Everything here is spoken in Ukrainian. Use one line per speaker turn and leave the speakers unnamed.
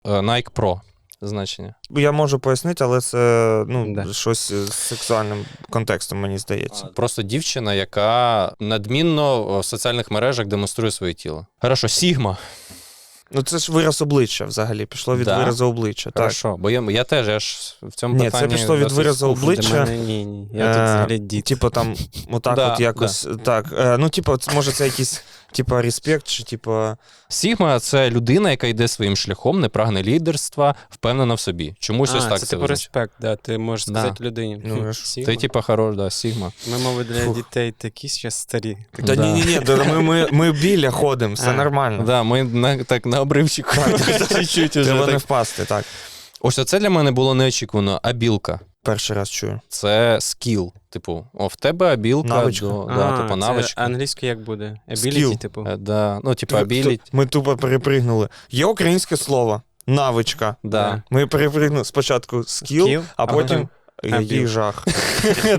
Nike Pro значення.
Я можу пояснити, але це
Да.
щось з сексуальним контекстом, мені здається.
Просто дівчина, яка надмінно в соціальних мережах демонструє своє тіло. Хорошо, Сігма.
Ну це ж вираз обличчя взагалі, пішло від
Да.
виразу обличчя. Так.
Хорошо, бо я теж в цьому
Ні,
питанні...
це пішло від
досить
виразу
скуфний.
обличчя.
Ні. Я тут взагалі дід.
Типу там, отак
Да,
от якось, так. Ну, типу, може це якийсь, типу, респект, чи типу...
Сігма – це людина, яка йде своїм шляхом, не прагне лідерства, впевнена в собі. Чомусь ось так
це
це
типу
визначає.
респект, да, ти можеш
Да.
сказати людині.
Ну,
Хм,
ж.
Сігма.
Це типа хорош, да, Сігма.
Ми, мовить, для
Фух.
дітей такі зараз старі.
Та
Да.
ні, ми біля ходимо, все
А.
нормально.
Да, ми так на обривчику чуть-чуть уже
Треба не
так.
впасти, так.
Ось оце для мене було неочікувано. Абілка.
Перший раз чую.
Це скіл. Типу, в тебе абілка.
Навичка.
Типу,
це
навичка.
англійською як буде?
Skill.
Ability, типу.
Да. Ну, типу, абіліті.
Ми тупо перепригнули. Є українське слово навичка.
Да.
Ми перепригнули спочатку скіл,
Skill,
а потім
Абіл.
який жах.